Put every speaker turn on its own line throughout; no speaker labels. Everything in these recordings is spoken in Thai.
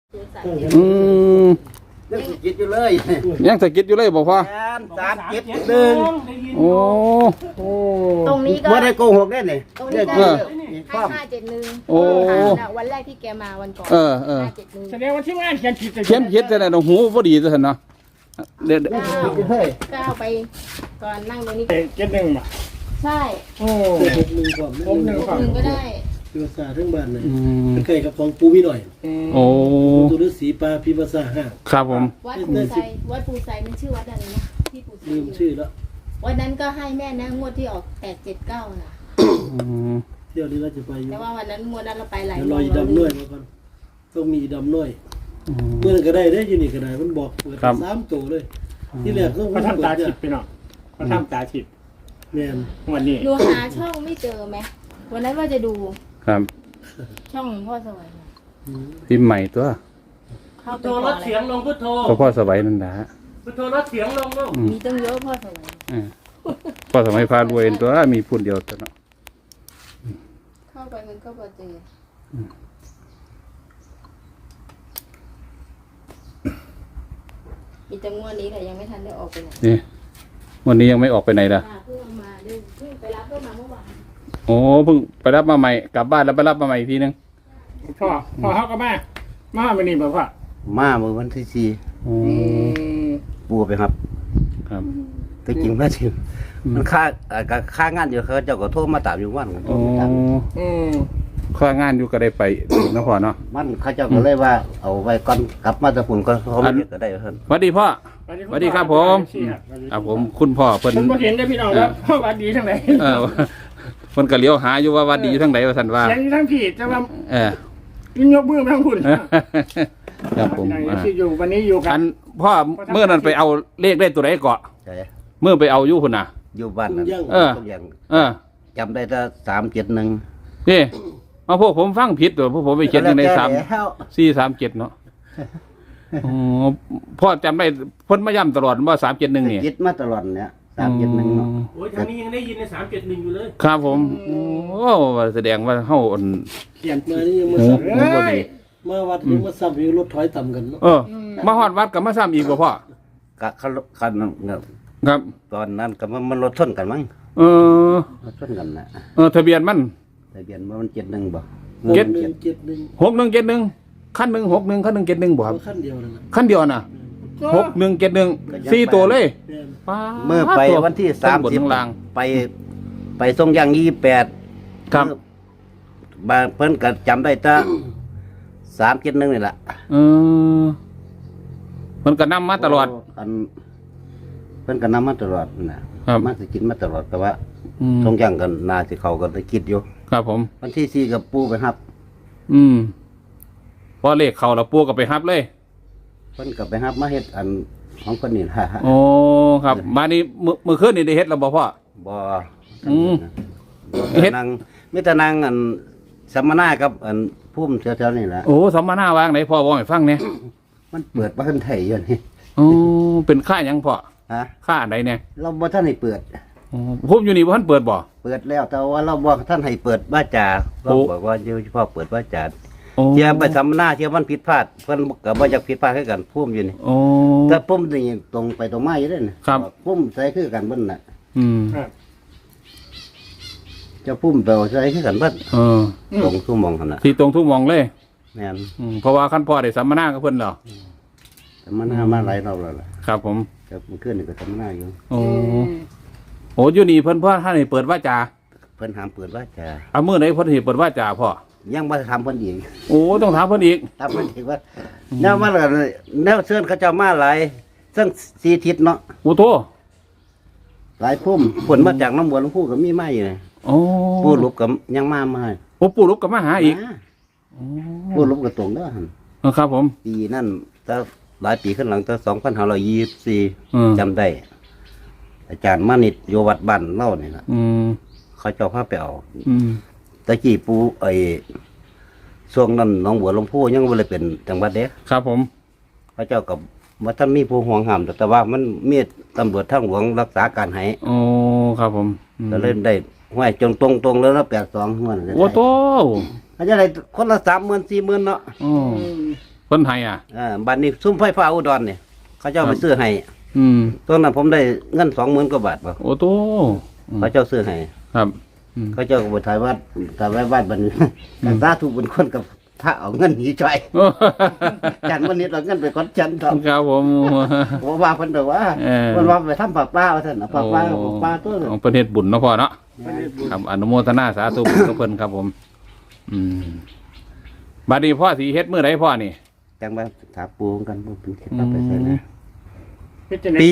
อืม
ยังสกิดอยู่เลย
ยังสะกิดอยู่เลยบอกพ่อ
371
โอ้
ตรงนี้ก็
บ่ได้โกหกแน่นี่
ตรงนี้ก็
เออ
ให้571
โอ้
วันแรกที่แกมาวันก่อน
เออ
571
แสดงว่าที่งานเขียนผิด
เขียนผิดแต่ไหนหูพอดีซะเนาะเดี๋ยว
ก้าวไปก่อนนั่งตรงนี้
เจ็ดหนึ่งมา
ใช่
โอ้
61ก่อน
ผมหนึ่งก่อน
หนึ่งก็ได้
คือภาษาทั้งบ้านเลย
อืม
ใกล้กับของปูมีหน่อย
โอ้
ตัวฤาษีปลาพิภาษาห้า
ครับผม
วัดปูไซมันชื่อวัดอะไรนะที่ปูไซ
ลืมชื่อแล้ว
วันนั้นก็ให้แม่นะงวดที่ออก879นะ
อืม
เที่ยวนี้เราจะไปอยู่
แต่ว่าวันนั้นงวดนั้นเราไปหลาย
เดี๋ยวรออีดำน้อยมาก่อนต้องมีอีดำน้อยเมื่อนั้นก็ได้ได้อยู่นี่ก็ได้มันบอกเปิด3ตัวเลยที่แรกก็
เขาทำตาฉิบไปหน่อยเขาทำตาฉิบ
แม่น
วันนี้
หนูหาช่องไม่เจอไหมวันนั้นว่าจะดู
ครับ
ช่องพ่อสวัย
พิมพ์ใหม่ตัว
เข้า
พุท
ไป
โธลดเสียงลงพุทโธ
ก็พ่อสบายนั่นนะ
พุทโธลดเสียงลงลูก
มีตั้งเยอะพ่อสวัย
พ่อสมัยพารวยตัวมีพูดเดียวตัวเนาะ
เข้าไปมันก็พอเจอมีแต่งวดนี้แต่ยังไม่ทันได้ออกไปไหน
นี่วันนี้ยังไม่ออกไปไหนล่ะ
เพิ่งเอามาเพิ่งไปรับเพิ่งมาเมื่อวาน
โอ้เพิ่งไปรับมาใหม่กลับบ้านแล้วไปรับมาใหม่อีกทีนึง
พ่อเขาก็มาวันนี้บอกว่า
มาเมื่อวันที่
โอ้
4ปูไปครับ
ครับ
แต่จริงว่าจริงมันค่างานอยู่เขาเจ้าก็โทรมาตามอยู่วันกัน
โอ้ข้างานอยู่ก็ได้ไปนะพ่อเนาะ
มันเขาเจ้าก็เลยว่าเอาไว้ก่อนกลับมาแต่ฝุ่นก็เขาไม่เรียกก็ได้เพิ่น
สวัสดีพ่อสวัสดีครับผมครับผมคุณพ่อเพิ่น
ผมเห็นได้พี่น้องแล้วพ่อวัดดีทั้งไหน
เออเพิ่นก็เลี้ยวหาอยู่ว่าวัดดีอยู่ทางไหนว่าซั่นว่า
เสียงทั้งผิดแต่ว่า
เออ
ยิ่งยกมือทั้งคุณ
ครับผม
ที่อยู่วันนี้อยู่กั
อั
น
นพ่อเมื่อนั้นไปเอาเลขได้ตัวไหนเกาะ
ใช่
เมื่อไปเอาอยู่พุ่นน่ะ
อยู่บ้านนั้น
เออ
ทุกอย่าง
เออ
จำได้แต่371
นี่เอาพวกผมฟังผิดตัวพวกผมไปเขียนอยู่ใน3
แล้ว
437เนาะอ๋อพ่อจำได้เพิ่นมาย้ำตลอดว่า371นี่
ยึดมาตลอดเนี่ย371เนาะ
โอ้ยทางนี้ยังได้ยินใน371อยู่เลย
ครับผมโอ้แสดงว่าเฮาอั่น
เขียน
มานี่ยังมา
โอ้
ซ้
โหบ่ดี
ำมาวัดยังมาซ้ำอยู่รถถอยต่ำกันเนาะ
เออ มาฮอดวัดก็มาซ้ำอีกบ่พ่อก
ะคันเนี่ย
ครับ
ตอนนั้นก็มันรถชนกันมั้ง
เออ
รถชนกันนะ
ทะเบียนมัน
ทะเบียนมัน71บ่
6171คันหนึง61คันหนึง71บ่ครับ
ขั้นเดียวนั่นน่ะ
คันเดียวน่ะ6171 4ตัวเลย
แม่น
ป๊าด
เมื่อไปวันที่
ทั้งบนทั้งล่าง
30ไปทรงยาง28
ครับ
บางเพิ่นก็จำได้แต่371นี่ล่ะ
เออมันก็นำมาตลอด
อันเพิ่นก็นำมาตลอดนะครับ มาสิกินมาตลอดแต่ว่า
อืม
ทรงยางกันนาสิเขาก็ได้คิดอยู่
ครับผม
วันที่4กับปู่ไปครับ
อืมพอเลขเข้าแล้วปู่ก็ไปรับเลย
เพิ่นก็ไปรับมาเฮ็ดอันของเพิ่นนี่ล่ะ
โอ้ครับมานี่มื้อคืนนี่ได้เฮ็ดแล้วบ่พ่อ
บ่
อืม
เฮ็ดนางมีแต่นางอันสัมมนากับอันภูมิแถวๆนี่แหละ
โอ้สัมมนาวางไหนพ่อบอกให้ฟังเนี่ย
มันเปิดบ้านไทยอยู่นี่
โอ้เป็นค่าหยังพ่อ
ฮะ
ค่าอันใดเนี่ย
เราบ่ท่านให้เปิด
อ๋อผมอยู่นี่บ่ทันเปิดบ่
เปิดแล้วแต่ว่าเราบ่ท่านให้เปิดว่าจาเรา
โอ้
บอกว่าอยู่เฉพาะเปิดว่าจา
โอ้
เที่ยไปสัมมนาเที่ยมันผิดพลาดเพิ่นก็บ่อยากผิดพลาดคือกันภูมิอยู่นี่
โอ้
แต่ภูมินี่ตรงไปตรงมาอยู่เด้อนะครับ ภูมิใส่คือกันเบิ่นน่ะ
อืม
เจ้าภูมิไปใส่คือกันเบิ่น
เออ
ตรงทุ่มมองหั่นน่ะ
ที่ตรงทุกหมองเลย
แม่น
เพราะว่าคันพ่อได้สัมมนากับเพิ่นแล้ว
สัมมนามาหลายรอบแล้วล่ะ
ครับผม
แต่เมื่อคืนนี่ก็สัมมนาอยู่
โอ้โอ้อยู่นี่เพิ่นพ่อท่านให้เปิดว่าจา
เพิ่นห้ามเปิดว่าจา
เอามื้อไหนเพิ่นให้เปิดว่าจาพ่อ
ยังบ่ทำเพิ่นอีก
โอ้ต้องถามเพิ่นอีก
ทำเพิ่นอีกว่าแนวมาแล้วแนวเชิญเขาเจ้ามาหลายเซึ่งสีทิศเนาะ
โอ้โต
หลายพุ่มผลมาจากน้ำบัวหลวงปู่ก็มีมาอยู่เลย
โอ้
ปู่ลุบก็ยังมาให้
โอ้ปู่ลูกก็มาหาอีก
มาปู่ลุบก็ตรงเด้อหั่น
เออครับผม
ปีนั่นแต่หลายปีขึ้นหลังแต่2524
อืม
จำได้ อาจารย์มานิดโยวัดบ้านเล่านี่ล่ะ
อืม
เขาเจ้าพาไปเอา
อืม
ตะกี้ปู่ช่วงนั้นหน้องบัวหลวงปู่ยังบ่ได้เป็นจังหวัดเด้
ครับผม
เขาเจ้าก็บ่ทันมีผู้ห่วงห้ามแต่ว่ามันมีตำรวจทางหลวงรักษาการให้
โอ้ครับผมอืม
ก็เลยได้ห้วยจงตรงๆแล้ว82งวดเลย
โอ้โต
เขาจะได้คนละ30,000 40,000เนาะ
โอ้เพิ่นให้อ่ะ
บัดนี้ซุ้มไฟฟ้าอุดรเนี่ยเขาเจ้าไปซื้อให้
อืม
ตอนนั้นผมได้เงิน20,000 กว่าบาทบ่
โอ้โต
เขาเจ้าซื้อให้
ครับอืม
เขาเจ้าก็ไปถ่ายวัดถ่ายไว้บ้านบัดนี้กันตาถูกเป็นคนกับพระเอาเงินหนีจ่อย
โอ้
จันวันนี้เราเงินไปก้อนจันทร์
ครับผม
ผมว่าเพิ่นบอกว่า
เออ
เพิ่นว่าไปทำปลาป้าว่าท่านน่ะปลาป้าปลาตัวนึง
ของประเทศบุญเนาะพ่อเนาะครับอนุโมทนาสาธุบุญกับเพิ่นครับผม อืมบัดนี้พ่อสิเฮ็ดมื้อใดพ่อนี่
จังว่าถามปูกันบ่เป็นเคล็ดลับไปใส่นะ
พิจารณา
ปี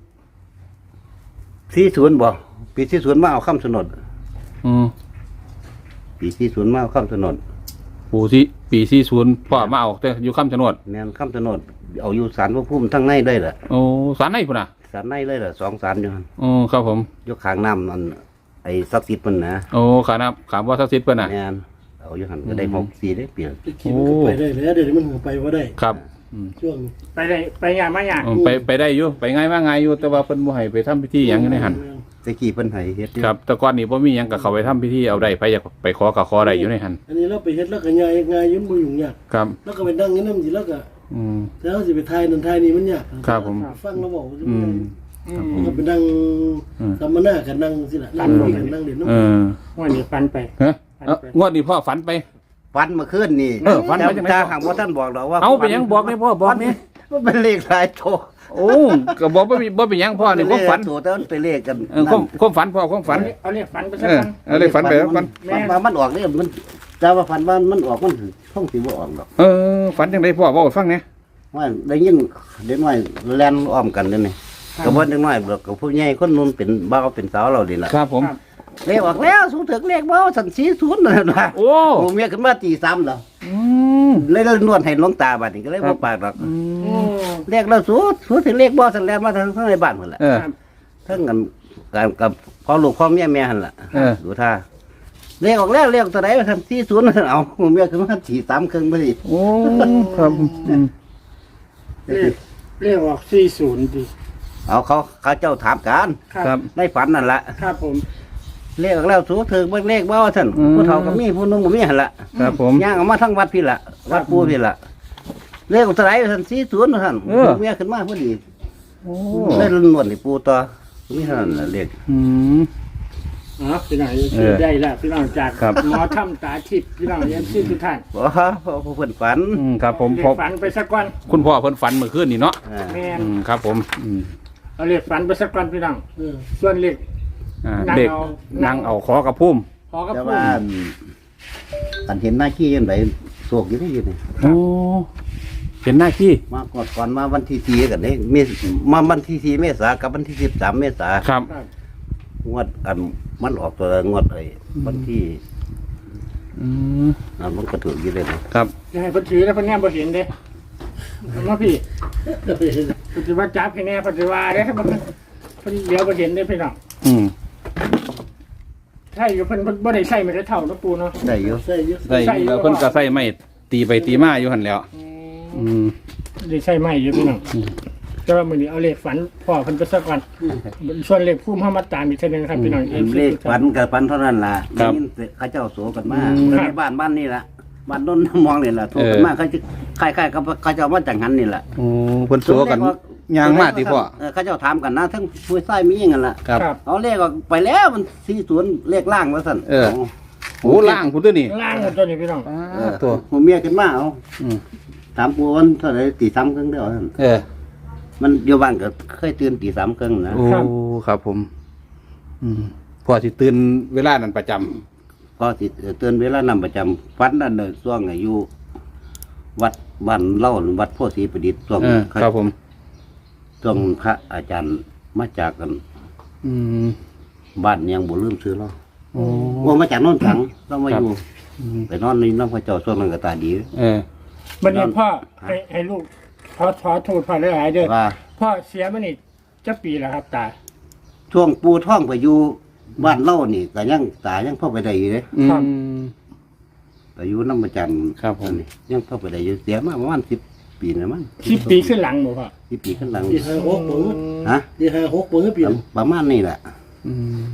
40บ่ปี40มาเอาคำสนด
อืม
ปี40มาเอาคำสนด
ปู่สิปี40พ่อมาเอาแต่อยู่คำชะโนด
แม่นคำสนดเอาอยู่ศาลพระภูมิทั้งในได้ล่ะ
โอ้ศาลไหนพุ่นน่ะ
ศาลในเลยล่ะ2ศาลอยู่หั่น
โอ้ครับผม
อยู่ข้างน้ำนั่นไอ้ศักดิ์สิทธิ์เพิ่นนะ
โอ้ขานับขามว่าศักดิ์สิทธิ์เพิ่นน่ะ
แม่นเอาอยู่หั่นก็ได้64ได้เปลี่ยน
ไปขี่มันก็ไปได้แล้วเดี๋ยวนี้มันก็ไปว่าได้
ครับอืม
ช่วงนี้
ไปได้ไปงานมาอย่าง
ไปได้อยู่ไปง่ายมากง่ายอยู่แต่ว่าเพิ่นบ่ให้ไปทำพิธีหยังอยู่ในหั่น
ตะกี้เพิ่นให้เฮ็ดอยู่
ครับแต่ก่อนนี้บ่มีหยังก็เข้าไปทำพิธีเอาได้ไปอยากไปขอก็ขอได้อยู่ในหั่น
อันนี้เราไปเฮ็ดแล้วก็ง่ายง่ายยุ่งบ่ยุ่งยาก
ครับ
แล้วก็ไปนั่งนี่นำสิแล้วก็
อืม
แล้วสิไปทายนั่นทายนี่มันยาก
ครับผม
ฟังแล้วบอกว่า
อืม
มันก็ไปนั่งสัมมนากันนั่งสิล่ะนั่งคุยกันนั่งเล่นน้ำ
เออ
วันนี้ฟันไป
ฮะงวดนี้พ่อฝันไป
ฝันเมื่อคืนนี่
ฝันว่าจังได๋
ถ้าหากว่าท่านบอกดอกว่า
เอาไปหยังบอกนี่พ่อบอกนี่
มันเป็นเลขหลายโต
โอ้ก็บอกบ่เป็นหยังพ่อนี่ความฝัน
โตแต่มันเป็นเลขกัน
ความฝันพ่อความฝัน
เอาเรียกฟันไปสั
เอก อ
กัน
เอาเลยฝันไปแล้วกัน
ฝันว่ามันออกเนี่ยมันแต่ว่าฝันว่ามันออกมันท่องสิบ่ออกดอก
เออฝันจังไดพ่อเว้าให้ฟังแหน่
ว่าได้ยินเด็กน้อยแล่นอ้อมกันเด้นี่ก็บ่เด็กน้อยบอกกับผู้ใหญ่คนนู้นเป็นบ่าวเป็นสาวเรานี่ล่ะ
ครับผม
เลขออกแล้วสูงถึงเลขบ่สัน40นั่นน่ะ
โอ้
โอ้เมียขึ้นมาตี3แล้ว
อืม
เลยนวดให้หลวงตาบัดนี้ก็เลยบ่ปากดอก
โอ้
เลขแล้วสูถึงเลขบ่สันแล่นมาทางในบ้านพุ่นล่ะ
เออ
เทั้งกันการกับพ่อลูกพ่อเมียแม่หั่นล่ะ
เออ
ดูท่าเลขออกแล้วเลขตัวไหนทัน40นั่นเอาเมียขึ้นมา43ครึ่งพอดี
โอ้ครับอืม
เรียกออก40ดิ
เอาเขาเจ้าถามกัน
ครับ
ในฝันนั่นล่ะ
ครับผม
เลขออกแล้วสูถึงเบิ่งเลขบ่ว่าซั่น
อืม
ผู้เฒ่าก็มีผู้หนุ่มก็มีหั่นล่ะ
ครับผม
ย่างออกมาทั้งวัดพี่ล่ะวัดปู่พี่ล่ะเลขออกตัวไหนทัน40นั่น
เออ
เมียขึ้นมาพอดี
โอ้
เลยนวดให้ปู่ต่อมีเท่านั้นล่ะเลข
อืม
อ๋อพี่น้อง
เออ
ได้แล้วพี่น้องจาก
ครับ
หมอถ้ำตาทิพย์พี่น้องเยี่ยมชื่อทุกท่าน
บ่พอเพิ่นฝัน
อืมครับผม
เรีย
พอก
ฝันไปสักวัน
คุณพ่อเพิ่นฝันเมื่อคืนนี่เนาะ
อ่า
แม่น
อืมครับผมอืม
เอาเรียกฝันไปสักวันพี่น้อง
เออ
ส่วนเรียก นั่ง
เด็ก
เอา
นั่งเอาขอกับพุ่ม
พอกับ
แต่
พูด
ว่าอันเห็นหน้าขี้ยังไงโศกอยู่ได้อยู่นี่
โอ้เป็นหน้าที่
มาก่อนมาวันที่4กันนี่มีมาวันที่4เมษากับวันที่13เมษา
ครับ
ครับ
งวดอันมันออกตัวงวดไอ้วันที่
อืม
อันมันก็ถูกอยู่เลยนะครับ
จะให้เพิ่นถือแล้วเพิ่นแนมบ่เห็นเด้เอามาพี่ปฏิวัติจับให้แน่ปฏิวัติเด้ถ้ามันเพิ่นเดี๋ยวบ่เห็นเด้พี่น้อง
อืม
ใช่อยู่เพิ่นบ่ได้ใส่ไม่ได้เท่าเนาะปูเนาะ
ได้อยู่
ใส่เยอะ
ใส่แล้วเพิ่นก็ใส่ไม้ตีไปตีมาอยู่หั่นแหล้ว อืม
ได้ใส่ไม่อยู่พี่น้องแต่ว่ามื้อนี้เอาเลขฝันพ่อเพิ่นไปสักวันส่วนเลขภูมิเฮามาตามอีกเทื่อนึงครับพี่น้อง
เลขฝันกับฝันเท่านั้นล่ะ
ครับ
ได้ยินเขาเจ้าโศกกันมา
อืม
ในบ้านนี่ล่ะบ้านโน้นมองนี่ล่ะโศกกันมาเขาจะคล้ายๆกับเขาเจ้ามาจากหันนี่ล่ะ
โอ้เพิ่นสัวกันยางมาติพ่อ
เขาเจ้าถามกันนะทั้งผู้ชายมีหยังกันล่ะ
ครับ
ครับ
เอาเลขออกไปแล้วมัน40เลขล่างว่าซั่น
เออ โอ้ล่างพุ่นตัวนี่
ล่างหมดตัวนี้พี่น้อง
ตัว
ผมเมียขึ้นมาเอา
อืม
ถามปูวันเท่าไหร่ตี3ครึ่งเด้อซั่น
เออ
มันอยู่บ้านก็เคยตื่นตี3ครึ่งนะ
โอ้ครับผม อืมพ่อสิตื่นเวลานั้นประจำ
พอสิตื่นเวลานำประจำฝันนั่นน่ะช่วงอายุวัดบ้านเล่าวัดโพธิ์ศรีประดิษฐ์ช่วง
เออครับผม
ช่วงพระอาจารย์มาจากกัน
อืม
บ้านยังบ่ลืมซื้อเรา
โอ้
ว่ามาจากโน่นถังเรามาอยู่
อืม
ไปนอนในน้ำพระเจ้าช่วงนั้นก็ตาดี
เออ
บัดนี้พ่อให้ลูกขอโทษพ่อหลายๆเด้อ
ว่า
พ่อเสียมานี่จะปีแล้วครับตา
ช่วงปูท่องไปอยู่บ้านเล่านี่ก็ยังตายังเข้าไปได้อยู่เด้
อื
ครับ
ม
ไปอยู่น้ำประจัน
ครับผม
นี่ยังเข้าไปได้อยู่เสียมาประมาณ10 ปีนะมั้ง
10 ปีขึ้นหลังบ่พ่อ
10 ปีขึ้นหลัง
ที่56ปุ๋ง
ฮะ
ที่56ปุ๋งปี
ประมาณนี้แหละ
อืม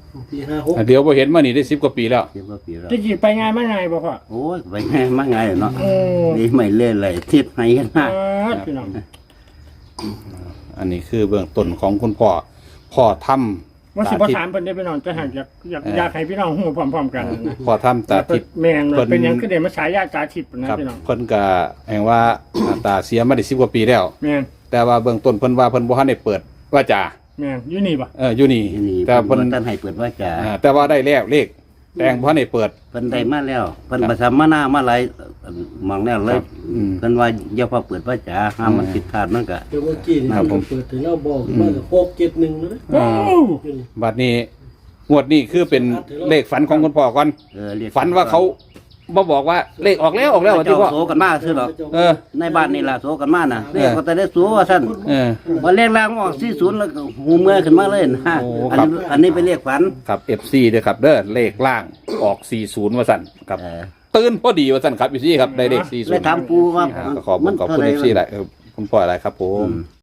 ปี56
เดี๋ยวบ่เห็นมานี่ได้10กว่าปีแล้ว
เดี๋ยวว่าปีแล้ว
จะจีไปง่ายมาไงบ่พ่อ
โอ้ยไปไงมาไงเนาะ
โอ้
นี่ไม่เล่นเลยทิศไหนกันนะ
พี่น้อง
อันนี้คือเบื้องต้นของคุณพ่อทำ
ว่าสิบ่ถามเพิ่นได้พี่น้องจะหากอยากให้พี่น้องฮู้พร้อมๆกันนะ
พ่อทำตาทิพย์
แม่งเลยเป็นหยังคือได้มาฉายาตาทิพย์นะครับ พี่น้อง
เพิ่นก็แห่งว่าตาเสียมาได้10กว่าปีแล้ว
แม่ง
แต่ว่าเบื้องต้นเพิ่นว่าเพิ่นบ่ทันได้เปิดว่าจา
แม่งอยู่นี่บ่
อยู่นี่
นี่
แต่
เพิ่
เพิ่
น
น
ท่านให้เปิดว่าจะ
แต่ว่าได้แล้วเลขแต่บ่ทันได้เปิด
เพิ่นได้มาแล้วเพิ่นประชามมาหน้ามาหลายมองแล้วเลย
ครับอืม
เพิ่นว่าอย่าพอเปิดว่าจะห้ามมันผิดพลาดมันก็
เดี๋ยวเมื่อกี้นี่
ครับผม
เปิดถึงเราบอกมาก็671แล้วนะ
โอ้
อยู่นี่
บัดนี้งวดนี้คือเป็นเลขฝันของคุณพ่อก่อน
เรียก
ฝันว่าเขาบ่บอกว่าเลขออกแล้วว่าที่
เจ้า
พ่อ
โสกันมาซื่อหรอก
เออ
ในบ้านนี่ล่ะโสกันมาน่ะเรียกก็แต่ได้สูว่าซั่น
เออ
ว่าเลขล่างออก40แล้วก็หูเมื่อขึ้นมาเลยนะ
โอ้
อัน
ครับ
นี้อันนี้เป็นเลขฝัน
ครับ FC เด้อครับเด้อเลขล่างออก40ว่าซั่นครับ
เออ
ตื่นพอดีว่าซั่นครับ FC ครับได้เลข
เลยถาม
40
ปูว่า
ก็ขอบคุณ FC หลายคุณพ่อหลายครับผม